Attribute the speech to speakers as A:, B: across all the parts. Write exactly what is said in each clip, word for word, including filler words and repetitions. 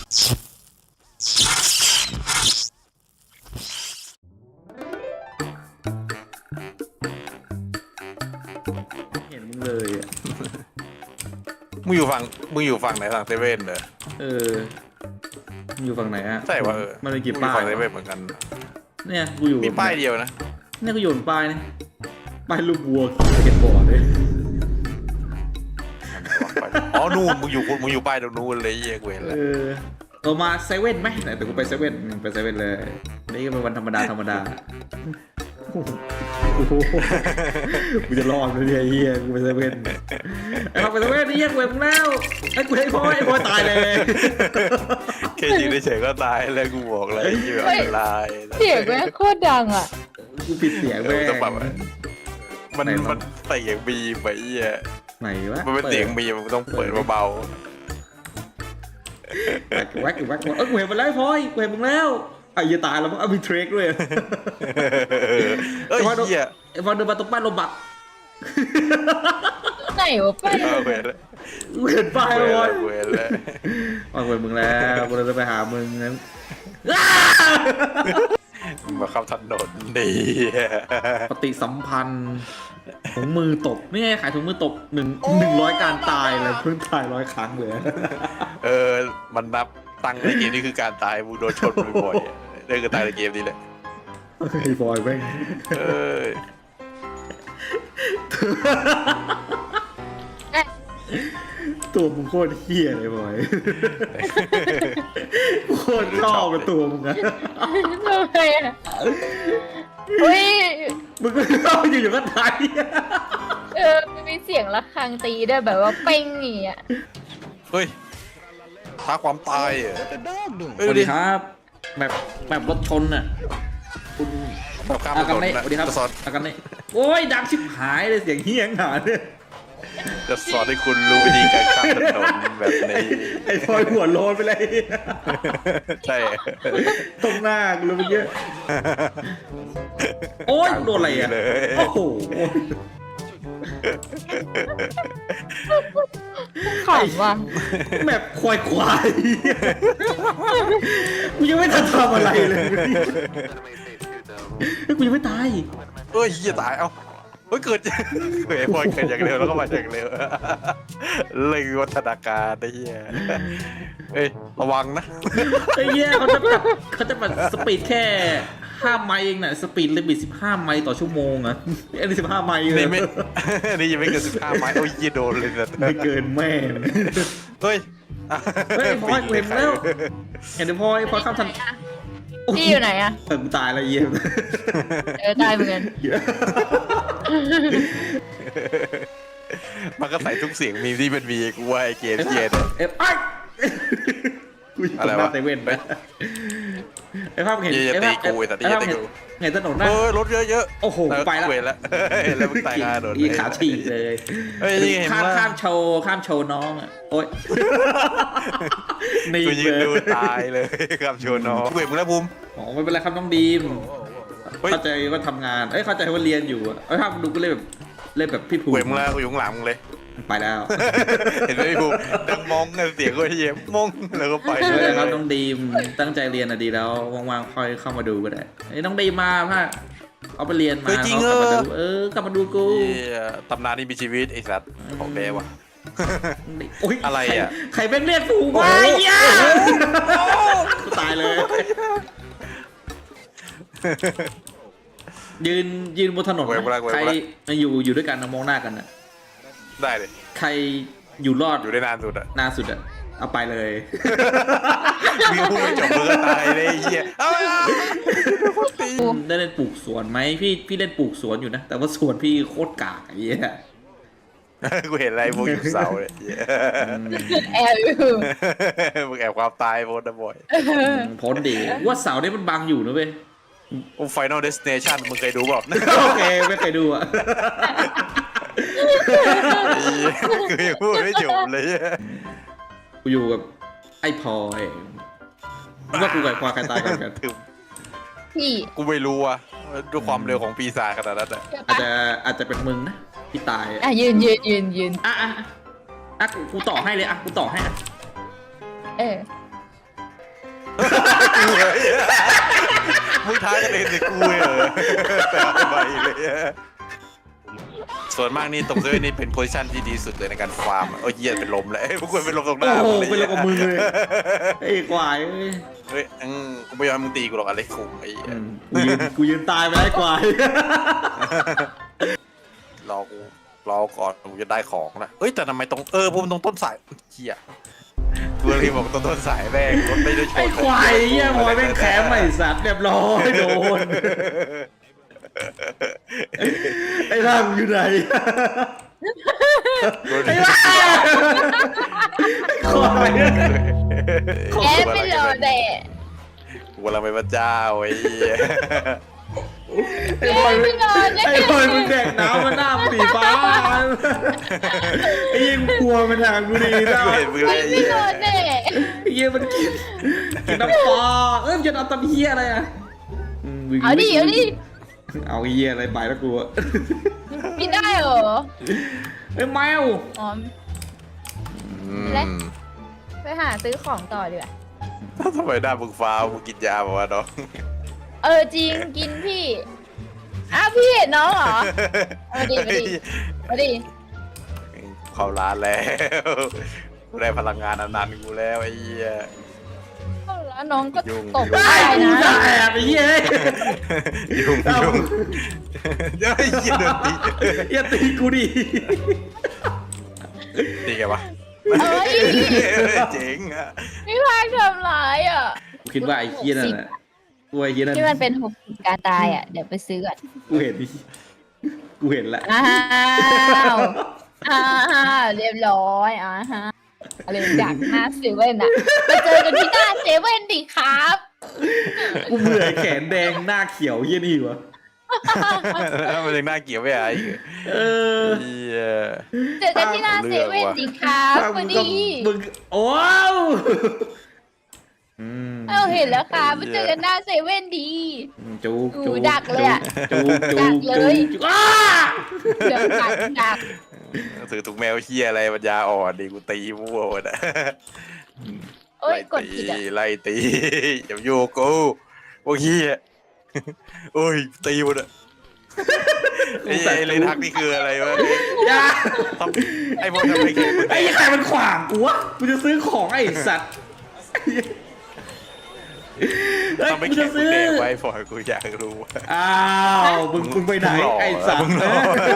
A: เห็นมึงเลยอ่ะ
B: มึงอยู่ฝั่งมึงอยู่ฝั่งไหนฝั่งเซเว่นเหรอ
A: เออมึงอยู่ฝั่งไหนอ่ะ
B: ใช่ว่าเออ
A: มันมีกี่
B: มึงอ
A: ป้า
B: ยู่
A: ย
B: ฝั่งเซเว่นเหมือนกัน
A: เนี่ยกูอยู่
B: มีป้ายเดียวนะ
A: เนี่ยกูอยู่บนป้ายเนี่ยป้ายลูกวัวเก็บบอร์ดเลย
B: อ๋อนู่นมึงอยู่มึงอยู่ป้ายตรงนู้นเลยเหี้ยเว้ย
A: เอ
B: แล้ว
A: อเรามาเซเว่นไหมไหนแต่กูไปเซเว่นไปเซเว่นเลยนี่ก็เป็นวันธรรมดาธรรมดาโอ้โหกูจะรอดไหมเนี่ยเฮียกูไปเซเว่นไอ้พอไปเซเว่นนี่เฮียกูเห็นมึงแล้วไอ้กูให้พ่อไอ้พ่อตายเลย
B: แค่ยืนเฉยๆก็ตายแล้วกูบอกเลยยี่แบบอันตราย
C: เสียงแม่งโคตรดังอ่ะ
A: กูปิดเสียง
B: เอ
A: แม่
B: อง ต้องแบบมันมันใส่เสียงบีมไปเหี้ย
A: ไหนวะ
B: มันเป็นเสียงบีมมันต้องเปิดเบา
A: แว็กแว็กแว็กเออกูเห็นมันแล้วพ่อยกูเห็นมึงแล้วไอ้ยี่ตายแล้วมึงเอามีเทรคด้วย
B: ๆเอ้ยเหี้ย
A: ไอ้บอลเดินมาตรงป้ายโรบัก
C: ไหนวะป้า
B: เออเว้ยแล้ว
A: กูเห็นป้าย
B: เว้
A: แล้ว
B: ย
A: บอ
B: แล้
A: ล
B: วเว้ยแล้ว
A: วางเว้ยมึงแล้วกูจะไปหามึงนั้น
B: มาเข้าถนนดี
A: ปฏิสัมพันธ์ถุงมือตบไม่ใช่ขายถุงมือตบหนึ่งหนึ่งร้อยการตายเลยเพิ่งตายร้อยครั้งเลย
B: เออมันนับตังค์ในเกมนี้คือการตายมึงโดนชนบ่อยๆนี่คือตายในเกมนี้แหละ
A: ไอ้บอยแม่ง
B: เออ
A: ตัวมึงโคตรเฮี้ยเลยบอยโคตรชอบเป็นตัวมึงอะ
C: ทำไมอ่ะอุ้ย
A: มึงก็ชอบอยู่ๆก็ตาย
C: เออมันมีเสียงระฆังตีด้วยแบบว่าเป้งอย่างเงี้ย
B: เฮ้ยท้าความตายอ่ะ
A: สวัสดีครับแบบแบบรถชนอ่ะคุณ
B: แบบข้ามถ
A: อากาน
B: น
A: เน่
B: นะ
A: สวัสดีครับ
B: จะสอน
A: อากาเน่โอ้ยดังชิบหายเลยเสียงเฮี้ยงหาเนี่ย
B: จะสอนให้คุณรู้วิธีการข้ามถนนแบบนี้
A: ไอ้บอยหัวโลนไปเลย
B: ใช่
A: ตรงหน้ากูเลยเมื่อกี้โอ้ยโดนอะไรอ่ะ
B: เลย
A: โอ้โห
C: ขำว่ะ
A: แบบควายควายกูยังไม่ทันทำอะไรเลยกูยังไม่ตาย
B: เอ้ยเหี้ยตายเอ้าเฮ้ยเกิดเฮ้ยบอลเกิดอย่างเร็วแล้วก็มาอย่างเร็วเลยวัฒนาการไอ้เหี้ยเอ้ยระวังนะ
A: ไอ้เหี้ยเขาจะแบบเขาจะแบบสปีดแค่ห้าไมล์เองน่ะสปีดลิมิตสิบห้าไมล์ต่อชั่วโมงอ่ะอันนี้สิบห้าไมล์เลย
B: นี่ไม่ นี่ยังไม่เกินสิบห้าไม้โอ้ยเหี้ยโดนเลยนะ
A: ไม่เกินแม่ง
B: เฮ้ย
A: เฮ้ยพลอยกูเห็นแล้วเห็นพลอยพลอยข้ามทัน
C: พี่อยู่ไหนอ่ะ
A: เออกูตายแล้วเยี่ยม
C: เออตายเหมือนกัน
B: มันก็ใส่ทุกเสียงมีที่เป็นมีกูว่าไอเกมเกียร์
A: เอฟไอกูอยู่ตรงหน้าเซเว่นนะไอ้ภาพเห็น
B: อย่า
A: ไอ้
B: ตี
A: ภาพ
B: กูไอ้สัตว์
A: ไอ้
B: อย่า
A: ภาพ
B: ตี
A: เห็น
B: กู
A: เห็นถนนหน้า
B: เออรถเยอะๆ
A: โอ้โหไปแล้ว
B: เวรแล้วแล้วมึงตายงานโดน
A: อีขาฉีกเลย
B: เฮ้ยนี่เห็น
A: ข้าม
B: ว่า
A: ข้ามโชว์ข้ามโชว์น้องอ่ะโอ๊ยนี่
B: กูยืน
A: เล
B: ดู
A: ย
B: ตายเลยครับโชว์น้องเวรมึงแล้วภูมิ
A: อ๋อไม่เป็นไรครับน้องดีม
B: เฮ้ย
A: เข้าใจว่าทำงานเอ้ยเข้าใจว่าเรียนอยู่อะไอ้ภาพดูก็เลยแบบเล่นแบบพี่ภูมิ
B: เวรมึงแล้วกูอยู่ข้างหลังมึงเลย
A: ไปแล้ว
B: เห็นไหมพี่ภูมิดังมองเสียงก็เยี่ยมมองแล้วก็ไป
A: ไม่เป็นไรครับน้องดีมตั้งใจเรียนอะดีแล้วว่างๆค่อยเข้ามาดูก็ได้ไอ้ยน้องดีมมาพ่ะเอาไปเรียนมา
B: เฮ้ยจริง
A: เขา
B: เอก
A: ลับมา
B: อ
A: ดูเออกลับมาดูกู
B: เหี้ยตำนานที่มีชีวิตไอ้สัตว์ของแท้ว่ะ
A: โอ้ย
B: อะไรอะ
A: ใครใครแม่งเรียกกูวะเหี้ยกูตายเลย ยืนยืนบนถนน
B: เว้ยเวลาเว้ย
A: ใคร
B: เวลา
A: อยู่อยู่ด้วยกันนะมองหน้ากันนะ
B: ได้เลย
A: ใครอยู่รอด
B: อยู่ได้นานสุดอะ
A: นานสุดอะเอาไปเลย
B: มีพูดไม่จบมึงก็ตายเลยไอ้เหี้ยเอ้า
A: ได้เล่นปลูกสวนไหมพี่พี่เล่นปลูกสวนอยู่นะ แต่ว่าสวนพี่โคตรกากไอ้เหี้ย
B: กูเห็นอะไรพวกอยู่เสาเลยเหี้ย
C: แอบอยู่
B: มึงแอบความตายโพสต์นะบ่อย
A: พ้นดีว่าเสาเนี่ยมันบังอยู่นะเว้ย
B: โอ้ Final Destination มึงเคยดูเปล่า
A: โอเคไม่เคยดูอะ
B: ไอ้เหี้ยคือยังพูดไม่จบเลย
A: กูอยู่กับไอ้พลอยว่ากูกับควายใครตายกันกัน
B: ถึง
C: พี่
B: กูไม่รู้อะด้วยความเร็วของปีศาจขนาดนั้นอะ
A: อาจจะอาจจะเป็นมึงนะที่ตายอะ
C: อ่ะยืนยืนยืนยืน
A: อ่ะอ่ะอ่ะกูกูต่อให้เลยอ่ะกูต่อให้อ่ะ
C: เออ
B: ท้ายกันเองสิกูเหรอแต่เอาไปเลยส่วนมากนี่ตรงเซอร์นี่เป็นโพซิชันที่ดีสุดเลยในการฟาร์มโอ้ยเหี้ยเป็นลมเลยพวกกูเป็นลมตรงห
A: โอ้
B: น้า
A: โห
B: เลย
A: เป็นอะไรกับมึงเลยไอ้ควายเอ้ย
B: เฮ้ยอืมกูไม่ยอมให้มึงตีกูหรอกอะไรคุมไอ้
A: อืมกูยืนกูยืนตายไปไอ้ควาย
B: รอกูรอก่อนกูจะได้ของนะเอ้ยแต่ทำไมตรงเออพวกมันตรงต้นสายเหี้ยกูเลยบอกตรงต้นสายแม่งรถไม่ได้ชน
A: ไอ้ควายเหี้ยมอยแม่งแขมใหม่สัตว์เรียบร้อยโดนไอ้ร่างอยู่ไหนไอ้ร่างควาย
C: แอดไม่รอแดด
B: กูกำลังเป็นพระเจ้าไอ้เหี้ย
A: ไอ้บอยไอ้บอยมึงแดกน้ำมันหน้าสีฟ้าไอ้ยิงกลัวมันทางกูดีนะ
B: กูเห็นมือเลยไอ้
C: ไม่
B: เหี้
C: ร
B: ย
C: อแดด
A: ไอ้เหี้ยมันกินกินน้ำปลาเอ้ยมันจะเอาตำเหี้ยอะไรอ่ะมวิ่ง
C: เอาดิเอาดิ
A: เอาไอ้เหี้ยอะไรไปแล้วกูอะ
C: ไม่ได้เหรอ
A: ไอ้แมว
C: อ๋อ
B: อืม
C: และ ไปหาซื้อของต่อดีกว่า
B: ทำไมหน้ามึงฟ้าวมึงกินยาบอกว่าน้อง
C: เออจริงกินพี่อ้าวพี่เห็นน้องเหรอมาดิมาดิมาดิ
B: เข้าร้านแล้วกูได้พลังงานอนันต์กูแล้วไอ้เหี้ย
C: เข้าแล้วน้องก็
B: ยุ่ง
C: ตก
B: ยุ่ง
C: ได้
A: ไอ้กู
C: นะ
A: จะแอบไอ้เหี้ย
B: ยุ่ง
A: เอา
B: ยุ่งเดี๋ยวไอ้เหี้ยโดนตี
A: อย่าตีกูดิ
B: ตีไงวะ
C: เอ้ย
B: เจ๋งอ่ะ
C: พี่พายทำร้ายอ่ะ
A: กูคิดว่าไอ้เหี้ยนั่นแหละกูไอ้เหี้ยนั่น
C: ที่มันเป็นหกสิบการตายอ่ะเดี๋ยวไปซื้อก่อน
A: กูเห็นดิกูเห็นแล้ว
C: อ้าวอ้าวเรียบร้อยอ่าฮะอะไรจากหน้าเซเว่นอ่ะไปเจอกันที่หน้าเซเว่นดิครับ
A: กูเบื่อไอ้แขนแดงหน้าเขียวเหี้ยนี่วะ
B: มันยังน่าเกลียดไม่ไอ้
A: เออ
B: เหี้ย
C: เจอกันที่หน้าเซเว่นดิครับพอดี
A: มึงโอ้าวอืม
C: เออเห็นแล้วครับไปเจอกันหน้าเซเว่นดี
A: จูบ
C: อู
A: จูบ
C: ดักเลยอะ
A: จูบจู
C: ดั
A: บ
C: กเลย
A: จูบอ้า
C: เดี๋ยวกัดดัก
B: ถือถุงแมวเหี้ยอะไรปัญญาอ่อนดิกูตีมั่วหมดอะ
C: โอ้ย
B: ไล่
C: กด
B: ตี
C: ผิดอ่ะ
B: ไล่ตีอย่าโยกกูพวกเหี้ยโอ้ยตีหมดอะไอ้ไอ้เลยทักนี่คืออะไรวะ
A: อย่า
B: ทำไอ้พวกทำไมแข็งมึง
A: ไอ้ใครมันขวางกูวะกูจะซื้อของไอ้สัตว์เฮ้ย
B: ทำไม
A: กู
B: แข็
A: จะ
B: งมึง
A: ซื้อ
B: แดกไว้พอยกูอยากรู้ว่า
A: อ้าวมึงมึงไปไหน
B: มึงหล่อ
A: ไอ้สัต
B: มึ
A: ว์
B: งหล่อ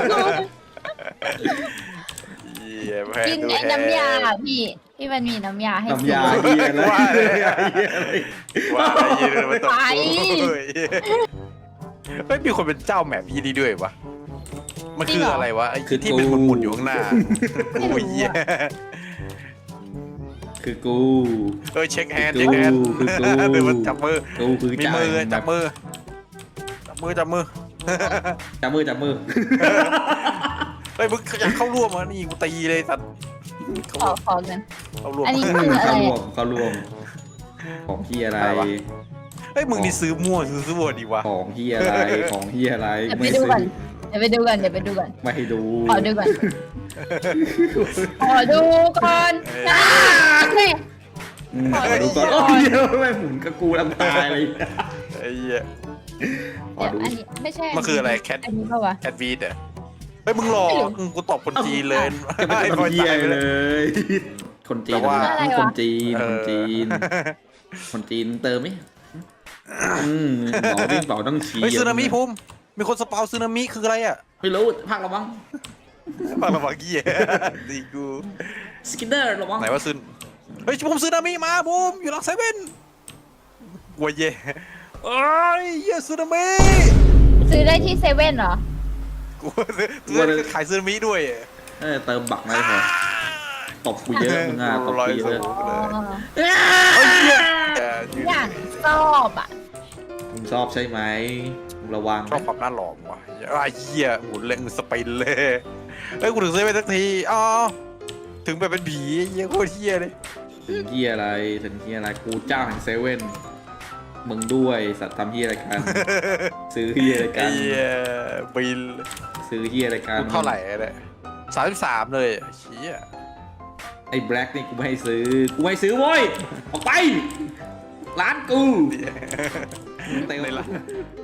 B: เหี้ยแพ้
C: กิน
B: ดู
C: ไอ้
B: แพ้
C: น้ำยาพี่ที่มันมีน้ำยาให้
A: น้ำยา
C: ซื้อ
A: เหี้ยอะไร
B: ว่าเลย
A: เหี้ยอะไร
B: ว่าไอ้เหี้ยเดินมาตบ
C: ไป
B: กูเฮ้ยเฮ้ยมีคนเป็นเจ้าแมปยี่นี่ด้วยวะมันคืออะไรวะไอ้ที่เป็นหมุนๆอยู่ข้างหน้ากูเหี้ย
A: คือกู
B: เออเช็คแฮนด์เช็คแฮนด์
A: คือกู
B: เดินมาจับมือ
A: กูคือ
B: มี
A: จ่าย
B: มือจับมือจับมือจับมือ
A: จับมือจับมือ
B: เฮ้ยมึงอยากเข้าร่วมอ่ะนี่กูตีเลยสัตว์เข้า
C: ขอ
B: ร่วม
C: ขอกัน
B: เข้าร่วม
C: อันนี้คืออะไร
A: เข้ารว
C: อะ
A: มเข้ารวมของที่อะไร
B: อะไรวะ เฮ้ยมึงนี่ซื้อมั่วซื้อซื้อวัวดีวะ
A: ของที่อะไรของที่อะไร
C: เดี๋ยวไป
A: ไม่
C: ดู
A: ซื้อ
C: ก่อนเดี๋ยวไปดูก่อนเดี๋ยวไปดูก่อน
A: ไม่ให้ดู
C: ขอดูก่อนขอดูก่อนนะโอเค
A: อืมขอดูก่อนโอ้ยเดี๋ยวไม่หมุนกับกูลำตายเลย
B: ไอ้เหี้ย
A: ขอ
C: เดี๋ยว
A: ดู
C: อันนี้ไม่ใช่
B: มันคืออะไรแคท
C: อันนี้เปล่าวะ
B: แอดวีดเหรอเฮ้ยมึงหลอกอืมกูตอบคนจีนเลย
A: จะไม่
B: ไอ้
A: เป็น
B: พลอย
A: เหี้ย
B: ตายไป
A: เล
B: เลย
A: ย คนจีน
B: แต่ว่า
A: นะคนจีน
B: เอ
A: คน
B: อ
A: จีน คนจีนเติมไหมอืมบอกดิบอกต้องชี้
B: เฮ้ยซึนามิภูมิมีคนสปาวซึนามิคืออะไรอ่ะ
A: ไม่รู้ภาคระวัง
B: ฟังระวังเหี้ยดีกู
A: สกินเดอร์ระวัง
B: ไหนว่าซึนเฮ้ยภูมิซึนามิมาภูมิอยู่หลังเซเว่นวัวเย่เอ้ยเหี้ยซึนามิ
C: ซื้อได้ที่เซเว่นเหรอ
B: กูซื้อซื้อขายซึนามิด้วย
A: เออเติมบักไม่พอตบกูเยอะมึงอ่ะตบ
B: ร้อย
A: กูเย
B: สู
A: อะ
B: งเลย
C: อ๋อ
B: เฮ้ยเหี้ย
C: อย่างชอบอ่ะ
A: มึงชอบใช่ไหมมึงระวัง
B: ชอบความน่าหลอมว่ะไอ้เหี้ยหมุนเล่งสปินเลยเฮ้ยกูถึงเซเว่นสักทีอ๋อถึงไปเป็นผีเหี้ยโคตรเหี้ยเลย
A: ถึงที่อะไรถึงที่อะไรกูเจ้าแห่งเซเว่นมึงด้วยสัตว์ทำที่อะไรกัน ซื้อที่อะไรกั
B: ไอ้
A: น
B: เหี้ยบิน
A: ซื้อที่อะไรกัน
B: เท่าไหร่เนี่ยสามสิบสามเลยเชี่ย
A: ไอ้แบล็กนี่กูไม่ให้ซื้อกูไม่ให้ซื้อโว้ยออกไปร้านกูเตะ
B: ในร้าน